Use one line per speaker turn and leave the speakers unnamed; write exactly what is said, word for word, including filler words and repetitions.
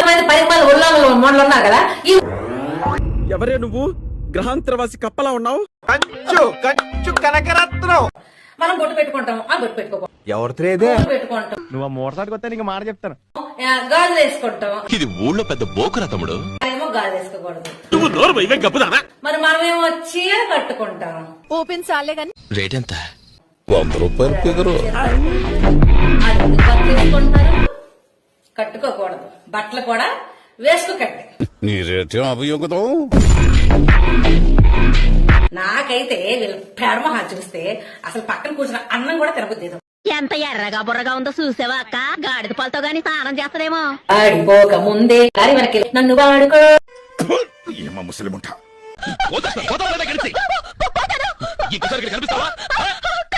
పది మంది ఉల్లంఘనలు మొదలు ఉన్నారు కదా.
ఎవరే నువ్వు గ్రహాంతరవాసి కప్పలా ఉన్నావు?
కంచు కంచు కనకరత్నం.
మనం బొట్టు పెట్టుకుంటాం, ఆ బొట్టు పెట్టుకోకూడదు.
ఎవరితో
పెట్టుకుంటాం.
నువ్వు మూడసారికి వస్తే నీకు మాట చెప్తాను.
గాజులు వేసుకుంటాం.
ఇది ఊళ్ళో పెద్ద బోకురా తమ్ముడు.
ఏమో గాజులు వేసుకోకూడదు.
నువ్వు నోరు ఇవే గప్పుదానా.
మరి మనమేమో చీర కట్టుకుంటాం.
ఓపెన్ చాలే గాని
రేట్ ఎంత?
వంద రూపాయలు ఫిగరు.
అది తీసుకుంటారు, కట్టుకోకూడదు. బట్టలు కూడా వేసుకోకండి.
నీ రేటేం అభియోగం.
నాకైతే వీళ్ళ ప్రేమ చూస్తే అసలు పక్కన కూర్చున్న అన్నం కూడా తినబుద్ది.
ఎంత ఎర్రగా బుర్రగా ఉందో చూసావా అక్క? గాడిద పాలతో గాని స్నానం చేస్తారేమో.
ఆడిపోక ముందే దారి వెనక్కి నన్ను వాడుకో.
ఏమా ముసలిముంట.
కనిపిస్తావా?